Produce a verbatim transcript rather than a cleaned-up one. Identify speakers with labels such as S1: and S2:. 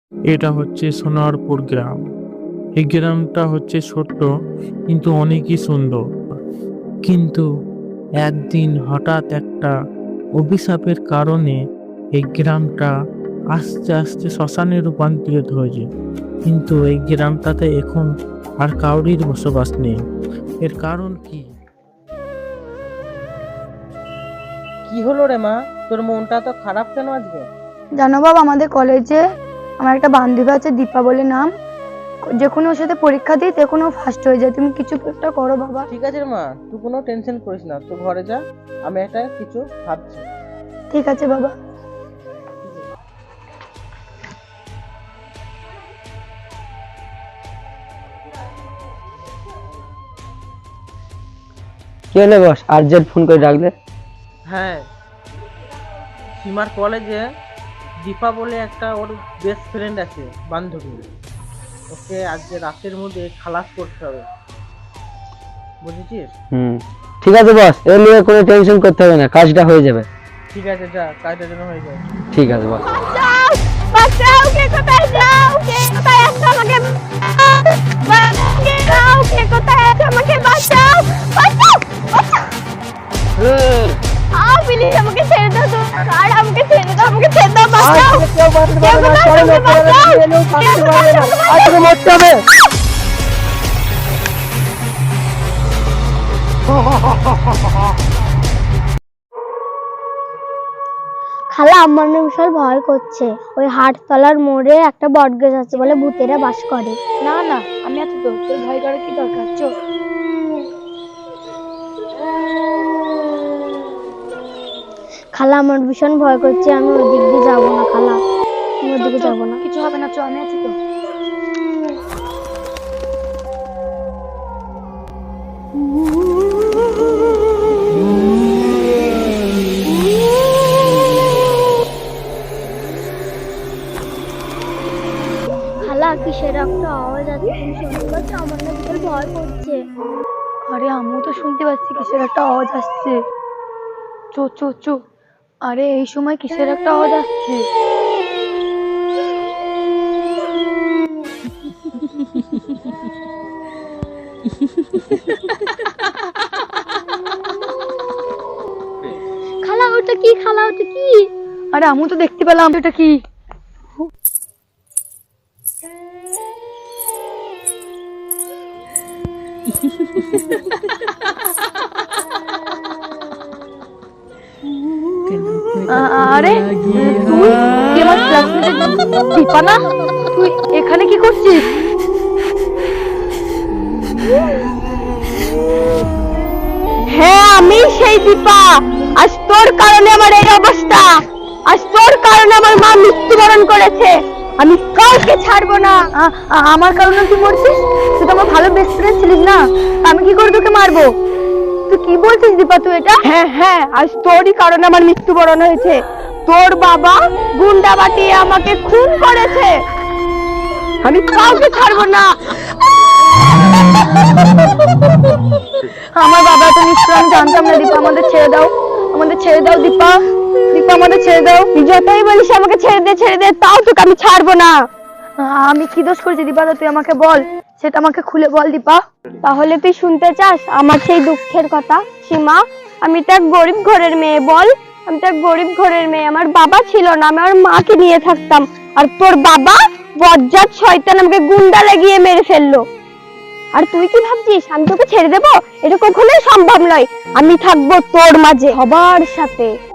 S1: এটা হচ্ছে সোনারপুর গ্রাম। এই গ্রামটা হচ্ছে ছোট্ট কিন্তু অনেকই সুন্দর। কিন্তু একদিন হঠাৎ একটা অভিশাপের কারণে এই গ্রামটা আস্তে আস্তে শ্মশানে রূপান্তরিত হয়েছে। কিন্তু এই গ্রামটাতে এখন আর কাউরির বসবাস নেই। এর কারণ কি?
S2: কি হলো রে মা, তোর মনটা তো খারাপ কেন আজকে?
S3: জানো বাবা, আমাদের কলেজে আমার একটা বান্ধবী আছে, দীপা বলে নাম। যে কোনো ওর সাথে পরীক্ষা দিই যে কোনো ফার্স্ট হয়ে যায়। তুমি কিছু একটা করো বাবা।
S2: ঠিক আছে রে মা, তুই কোনো টেনশন করিস না, তুই ঘরে যা, আমি একটা কিছু ভাবছি।
S3: ঠিক আছে বাবা।
S4: কি হলো বস, আর্জেন্ট ফোন করে ডাকলে?
S2: হ্যাঁ, সীমার কলেজে দীপা বলে একটা ওর বেস্ট ফ্রেন্ড আছে, বান্ধবী। ওকে আজকে রাতের মধ্যে খালাস করতে হবে, বুঝেছিস?
S4: হুম, ঠিক আছে বস, এ নিয়ে কোনো টেনশন করতে হবে না, কাজটা হয়ে যাবে।
S2: ঠিক আছে, যা, কাজটা যেন হয়ে যায়।
S4: ঠিক আছে বস।
S3: বাঁচাও, কে কোথায় যাও? কে কোথায় আছো? আমাকে বাঁচাও, কে কোথায় আছো? আমাকে বাঁচাও, বাঁচাও, বাঁচাও। আও প্লিজ, আমাকে ছেড়ে দাও। তো আর আমাকে ছেড়ে দাও, আমাকে ছেড়ে দাও, বাঁচাও।
S4: কেউ বাঁচতে পারবে না, সরে লোক করে দিয়ে এলেও বাঁচতে পারবে না, আজকে মরতে হবে।
S3: খালা, আমার না বিশাল ভয় করছে। ওই হাটতলার মোড়ে একটা বটগাছ আছে, বলে ভূতেরা বাস করে। না না, আমি আছি তো, তোর ভয় করার কি দরকার? চল। খালা, আমার ভীষণ ভয় করছে, আমি ওই দিক দিয়ে যাবো না খালা, আমি ওই দিকে যাবো না। কিছু হবে না, চল, আমি আছি তো। খালা, কিসের একটা আওয়াজ আছে, তুমি শুনতে পাচ্ছ? আমার না বিশাল ভয় করছে। আরে আমিও তো শুনতে পাচ্ছি কিসের একটা আওয়াজ আসছে। চো চো চো। আরে এই সময় কিসের একটা আওয়াজ আসছে? খালা, ওটা কি? খালা, ওটা কি? আরে আমিও তো দেখতে পেলাম, ওটা কি? আরে তুই কি আমার ক্লাসমেটের দীপা না? তুই এখানে কি করছিস? হ্যাঁ, আমি সেই দীপা। আজ তোর কারণে আমার এই অবস্থা, আজ তোর কারণে আমার মা মৃত্যুবরণ করেছে। আমি কাউকে ছাড়বো না। আমার কারণে তুই মরছিস? তুই তো আমার ভালো বেস্ট ফ্রেন্ড ছিলিস না, আমি কি করে তোকে মারবো? তুই কি বলছিস দীপা, তুই এটা? হ্যাঁ হ্যাঁ, আজ তোরই কারণে আমার মৃত্যুবরণ হয়েছে। তোর বাবা গুন্ডা বাটিয়ে আমাকে খুন করেছে, আমি কাউকে ছাড়বো না। আমার বাবা তো নিশ্চয়, আমি জানতাম না। দীপা, আমাদের ছেড়ে দাও, আমাদের ছেড়ে দাও দীপা, দীপা আমাদের ছেড়ে দাও। যতই বলিস আমাকে ছেড়ে দে ছেড়ে দে, তাও তোকে আমি ছাড়বো না। আমি কি দোষ করেছি দীপা, তুই আমাকে বল, সেটা আমাকে খুলে বল দীপা। তাহলে তুই শুনতে চাস আমার সেই দুঃখের কথা? সীমা, আমি তো এক গরিব ঘরের মেয়ে, বল, আমি তো এক গরিব ঘরের মেয়ে। আমার বাবা ছিল না, আমি আমার মাকে নিয়ে থাকতাম। আর তোর বাবা বজ্জাত শয়তান আমাকে গুন্ডা লাগিয়ে মেরে ফেললো। আর তুই কি ভাবছিস আমি তোকে ছেড়ে দেবো? এটা কখনোই সম্ভব নয়। আমি থাকবো তোর মাঝে সবার সাথে।